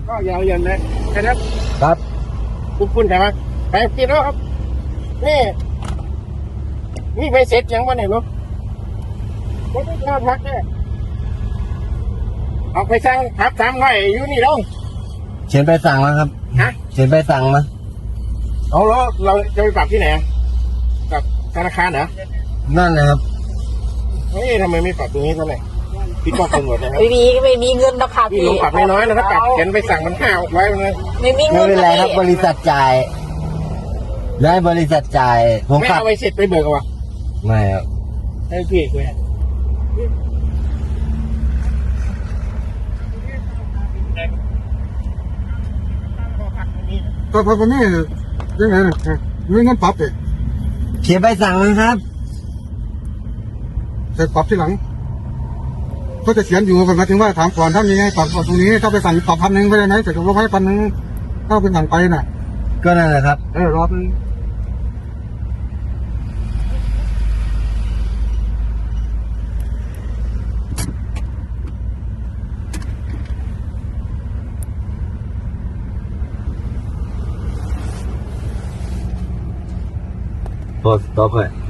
ก็ยาวเย็นเลยนะครับครับคุณใช่ไหมไปกินแล้วครับนี่ไปเสร็จยังวะเนี่ยลูกไม่ได้ข้าวพักเนี่ยเอาไปสั่งพัก300อยู่นี่ลงเขียนใบสั่งมาครับฮะเขียนใบสั่งมาเอาแล้วเราจะไปปรับที่ไหนกับธนาคารเหรอนั่นนะครับเฮ้ยทำไมไม่ปรับตรงนี้เท่าไหร่พี่ก็คนหมดนะครับไม่มีเงินนะคะพี่พี่ลงปรับน้อยๆนะถ้าปรับเขียนไปสั่งมัน5ไว้เลยไม่มีไม่เงินเป็นไรครับ บพี่ริษัทจ่ายได้บริษัทจ่าย ผมไม่ขับเอาไปเสร็จไปเบิกเอาวะไม่ครับให้พี่คุยก็พอคนนี้ยังไงมีเงินปรับเองเขียนใบสั่งมาครับแต่ปรับที่หลังก็จะเขียนอยู่หมายถึงว่าถามก่อนถ้ามีให้ปรับตรงนี้ถ้าไปสั่งปรับ1,000ไปได้ไหมแต่จะลงให้1,000ถ้าเป็นสั่งไปน่ะก็นั่นแหละครับรอบนึงพอสต็อปเลย